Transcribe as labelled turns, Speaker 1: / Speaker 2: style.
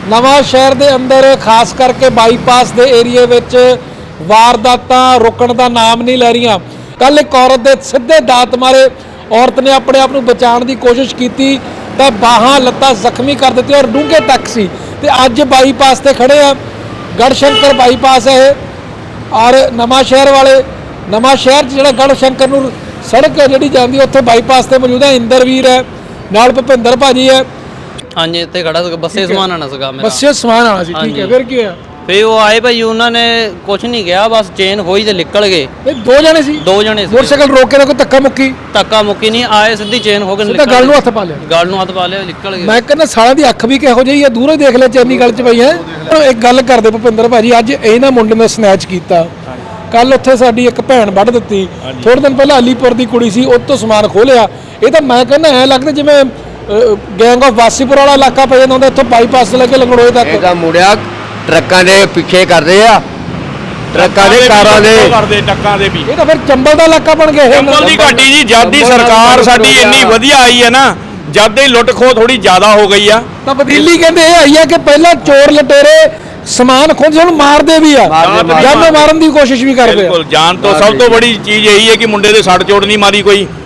Speaker 1: ਨਵਾਂ ਸ਼ਹਿਰ ਦੇ ਅੰਦਰ ਖਾਸ ਕਰਕੇ ਬਾਈਪਾਸ ਦੇ ਏਰੀਏ ਵਿੱਚ ਵਾਰਦਾਤਾਂ ਰੁਕਣ ਦਾ ਨਾਮ ਨਹੀਂ ਲੈ ਰਹੀਆਂ। ਕੱਲ ਇੱਕ ਔਰਤ ਦੇ ਸਿੱਧੇ ਦਾਤ ਮਾਰੇ ਔਰਤ ਨੇ ਆਪਣੇ ਆਪ ਨੂੰ ਬਚਾਉਣ ਦੀ ਕੋਸ਼ਿਸ਼ ਕੀਤੀ ਤਾਂ ਬਾਹਾਂ ਲੱਤਾਂ ਜ਼ਖਮੀ ਕਰ ਦਿੱਤੀਆਂ ਔਰ ਡੂੰਘੇ ਤੱਕ ਸੀ। ਤੇ ਅੱਜ ਬਾਈਪਾਸ ਤੇ ਖੜੇ ਆ, ਗੜਸ਼ੰਕਰ ਬਾਈਪਾਸ ਹੈ ਇਹ ਔਰ ਨਵਾਂ ਸ਼ਹਿਰ ਵਾਲੇ ਨਵਾਂ ਸ਼ਹਿਰ 'ਚ ਜਿਹੜਾ ਗੜਸ਼ੰਕਰ ਨੂੰ ਸੜਕ ਹੈ ਜਿਹੜੀ ਜਾਂਦੀ ਉੱਥੇ ਬਾਈਪਾਸ ਤੇ ਮੌਜੂਦ ਹੈ। ਇੰਦਰਵੀਰ ਹੈ ਨਾਲ, ਭੁਪਿੰਦਰ ਭਾਜੀ ਹੈ।
Speaker 2: हाँ जी इतने खड़ा था, बसे समान आना सका मेरा।
Speaker 1: ਬੱਸੇ ਸਮਾਨ ਆਣਾ ਸੀ, ਠੀਕ ਹੈ। ਫਿਰ ਕੀ ਹੋਇਆ?
Speaker 2: फिर वो आए भाई, उन्होंने कुछ नहीं किया, बस चेन होई तो निकल गए।
Speaker 1: ਇਹ ਦੋ ਜਣੇ ਸੀ,
Speaker 2: दो जने सी।
Speaker 1: ਮੋਟਰਸਾਈਕਲ ਰੋਕ ਕੇ ਨਾ ਕੋਈ ਧੱਕਾ ਮੁੱਕੀ
Speaker 2: धक्का मुक्की नहीं आए, सीधी चेन हो
Speaker 1: ਸਿੱਧਾ ਗੱਲ ਨੂੰ ਹੱਥ ਪਾ ਲਿਆ।
Speaker 2: गल नूं हथ पा लिया, निकल गए।
Speaker 1: ਮੈਂ ਕਹਿੰਦਾ ਸਾਲਾਂ ਦੀ ਅੱਖ ਵੀ ਕਿਹੋ ਜਿਹੀ ਆ, ਦੂਰੋਂ ਹੀ ਦੇਖ ਲੈ ਚੈਨੀ ਗੱਲ 'ਚ ਪਈ ਹੈ। ਇੱਕ ਗੱਲ ਕਰਦੇ ਭੁਪਿੰਦਰ ਭਾਜੀ, ਅੱਜ ਇਹਨਾਂ ਮੁੰਡੇ ਨੇ ਸਨੈਚ ਕੀਤਾ, ਕੱਲ ਉੱਥੇ ਸਾਡੀ ਇੱਕ ਭੈਣ ਵੱਢ ਦਿੱਤੀ, ਥੋੜੇ ਦਿਨ ਪਹਿਲਾਂ ਅਲੀਪੁਰ ਦੀ ਕੁੜੀ ਸੀ, ਉਹ ਤੋਂ ਸਮਾਨ ਖੋਲਿਆ। ਇਹ ਤਾਂ ਮੈਂ ਕਹਿੰਦਾ ਐ ਲੱਗਦਾ ਜਿਵੇਂ ਗੈਂਗ ਆਫ ਵਾਸੀਪੁਰ ਵਾਲਾ ਇਲਾਕਾ ਪੈ ਜਾਂਦਾ ਹੁੰਦਾ, ਇੱਥੋਂ ਬਾਈਪਾਸ ਲੈ ਕੇ ਲੰਗੜੋਏ ਤੱਕ।
Speaker 3: ਇਹਦਾ ਮੁੜਿਆ ਟਰੱਕਾਂ ਦੇ ਪਿੱਛੇ ਕਰਦੇ ਆ, ਟਰੱਕਾਂ ਦੇ ਕਾਰਾਂ ਦੇ
Speaker 4: ਕਰਦੇ ਟੱਕਾਂ ਦੇ ਵੀ।
Speaker 1: ਇਹ ਤਾਂ ਫਿਰ ਚੰਬਲ ਦਾ ਇਲਾਕਾ ਬਣ ਗਿਆ ਇਹ।
Speaker 4: ਚੰਬਲ ਦੀ ਘਾਟੀ ਜੀ, ਜਦ ਦੀ ਸਰਕਾਰ ਸਾਡੀ ਇੰਨੀ ਵਧੀਆ ਆਈ ਹੈ ਨਾ, ਜਦ ਦੀ ਲੁੱਟ ਖੋਹ ਥੋੜੀ ਜ਼ਿਆਦਾ ਹੋ ਗਈ ਆ।
Speaker 1: ਤਾਂ ਬਦੀਲੀ ਕਹਿੰਦੇ ਇਹ ਆਈ ਆ ਕਿ ਪਹਿਲਾਂ ਚੋਰ ਲਟੇਰੇ ਸਮਾਨ ਖੋਹਦੇ ਹੁਣ ਮਾਰਦੇ ਵੀ ਆ, ਜਾਨੋਂ ਮਾਰਨ ਦੀ ਕੋਸ਼ਿਸ਼ ਵੀ ਕਰਦੇ ਆ।
Speaker 4: ਬਿਲਕੁਲ, ਜਾਨ ਤੋਂ ਸਭ ਤੋਂ ਬੜੀ ਚੀਜ਼ ਇਹੀ ਹੈ ਕਿ ਮੁੰਡੇ ਦੇ ਸੱਟ ਚੋਟ ਨਹੀਂ ਮਾਰੀ ਕੋਈ।